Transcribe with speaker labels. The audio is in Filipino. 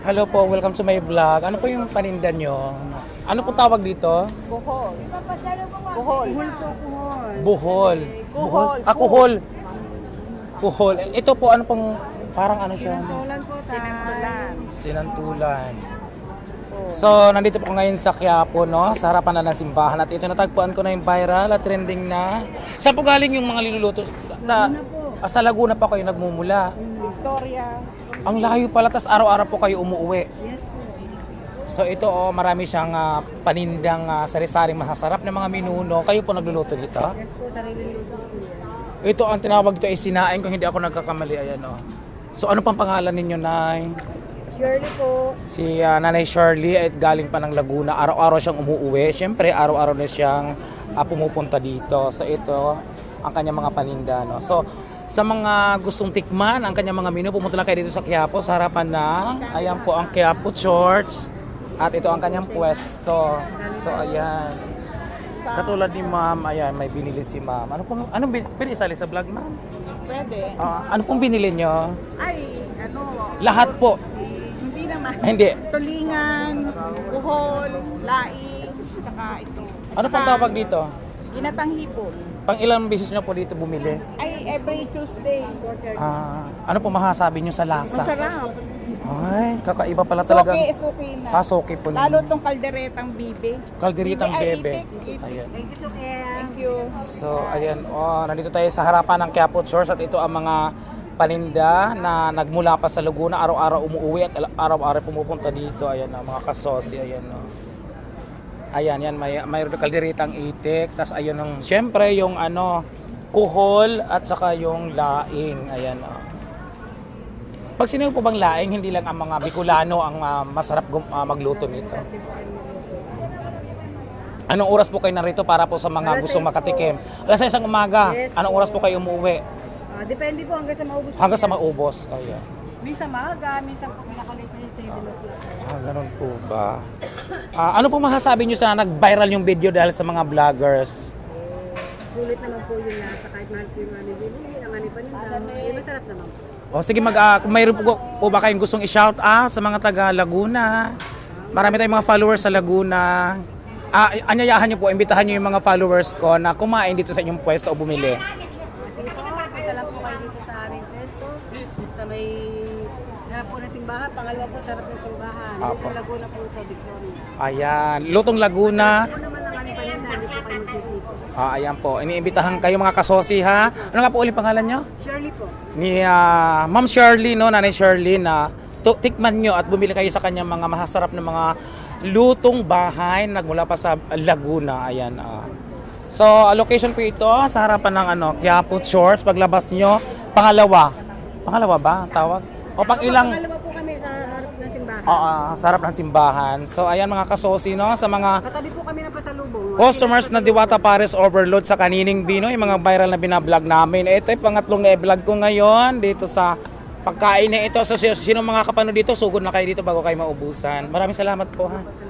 Speaker 1: Hello po, welcome to my vlog. Ano po yung paninda nyo? Ano po tawag dito?
Speaker 2: Buhol. Buhol.
Speaker 1: Buhol.
Speaker 2: Kuhol.
Speaker 1: Kuhol. Kuhol. Ito po, ano pong, parang ano siya?
Speaker 2: Sinantulan po. Sinantulan.
Speaker 1: Sinantulan. So, nandito po ngayon sa Quiapo, no? Sa harapan na ng simbahan. At ito, natagpuan ko na yung viral at trending na. Saan po galing yung mga niluluto? Sa Laguna pa kayo nagmumula.
Speaker 2: Victoria.
Speaker 1: Ang layo pala, tas araw-araw po kayo umuwi.
Speaker 2: Yes po.
Speaker 1: So ito, marami siyang panindang sari-saring masasarap na mga minuno. Kayo po nagluluto dito?
Speaker 2: Yes po, sarili luto po yan.
Speaker 1: Ito, ang tinawag dito ay sinaing kung hindi ako nagkakamali. Ayan, oh. So ano pang pangalan ninyo, Nay?
Speaker 2: Shirley po.
Speaker 1: Si Nanay Shirley ay galing pa ng Laguna. Araw-araw siyang umuuwi. Siyempre, araw-araw na siyang pumupunta dito. So ito, ang kanyang mga paninda. No? So, sa mga gustong tikman ang kanyang mga menu, pumunta lang kayo dito sa Quiapo, sa harapan ng, ayan po ang Quiapo Church. At ito ang kanyang pwesto. So, ayan. Katulad ni Ma'am, ayan, may binili si Ma'am. Anong pwede isali sa vlog, Ma'am?
Speaker 2: Pwede.
Speaker 1: Ano pong binili nyo?
Speaker 2: Ay, ano.
Speaker 1: Lahat po.
Speaker 2: Hindi naman.
Speaker 1: Hindi.
Speaker 2: Tulingan, buhol, laing, tsaka ito.
Speaker 1: Ano pang tawag dito?
Speaker 2: Ginatang hipon.
Speaker 1: Pang ilang beses nyo po dito bumili?
Speaker 2: Ay, every Tuesday.
Speaker 1: Ano po masasabi nyo sa lasa?
Speaker 2: Masarap.
Speaker 1: Ay, kakaiba pala talaga.
Speaker 2: Suki na.
Speaker 1: Suki po.
Speaker 2: Lalo tong kalderetang bibe.
Speaker 1: Kalderitang
Speaker 2: Ay,
Speaker 1: bebe.
Speaker 2: itik.
Speaker 1: Ayan.
Speaker 2: Thank you, Suki. Thank you.
Speaker 1: So, ayan. Nandito tayo sa harapan ng Quiapo Church at ito ang mga paninda na nagmula pa sa Laguna. Araw-araw umuwi at araw-araw pumupunta dito. Ayan, mga kasosi. Ayan, no. Ayan, yan. May kalderitang itik. Tapos, ayun, syempre, yung kuhol at saka yung laing. Ayan, Pag sinabi po bang laing, hindi lang ang mga Bicolano ang masarap magluto nito. Anong oras po kayo narito para po sa mga gustong makatikim? Alas 6 ng umaga.
Speaker 2: Yes,
Speaker 1: Anong oras po kayo umuwi?
Speaker 2: Depende po hanggang sa maubos.
Speaker 1: Hanggang sa maubos. Ayan.
Speaker 2: Minsan maaga, minsan po pinakalit na yung 7 o'clock.
Speaker 1: Ganun po ba? Ano po masasabi nyo sa nag-viral yung video dahil sa mga vloggers?
Speaker 2: Sulit naman po yun nasa kahit mahal po yung mga nilili, ang ano pa nila. Masarap naman po.
Speaker 1: Sige, kung mayroon po ba kayong gustong i-shout out sa mga taga Laguna? Marami tayong mga followers sa Laguna. Anyayahan nyo po, imbitahan nyo yung mga followers ko na kumain dito sa inyong pwesto o bumili.
Speaker 2: Sige po, punta lang po kayo dito sa aming pesto. Sa may harap po ng simbahan, pangalawa po sa harap ng simbahan. Dito Laguna po sa Victoria.
Speaker 1: Ayan, Lutong Laguna.
Speaker 2: Ano naman ang aming paninda, hindi po kayo magsisisi.
Speaker 1: Ayan po, iniimbitahan kayo mga kasosi ha. Ano nga po ulit pangalan nyo?
Speaker 2: Shirley po.
Speaker 1: Ni Ma'am Shirley, no, Nanay Shirley na tikman nyo at bumili kayo sa kanyang mga masasarap na mga lutong bahay nagmula pa sa Laguna. Ayan. So, location po ito sa harapan ng Quiapo Church. Paglabas nyo, pangalawa. Pangalawa ba ang tawag? O pang ilang?
Speaker 2: Pangalawa po kami sa harap ng simbahan.
Speaker 1: Sa harap ng simbahan. So, ayan mga kasosi, no, sa mga
Speaker 2: Katabi po kami ng pasalubong.
Speaker 1: customers na Diwata Pares Overload sa Kanining Bino, yung mga viral na binablog namin. Ito yung pangatlong na-vlog ko ngayon dito sa pagkain na ito. So, sino mga kapano dito, sugod na kayo dito bago kayo maubusan. Maraming salamat po ha.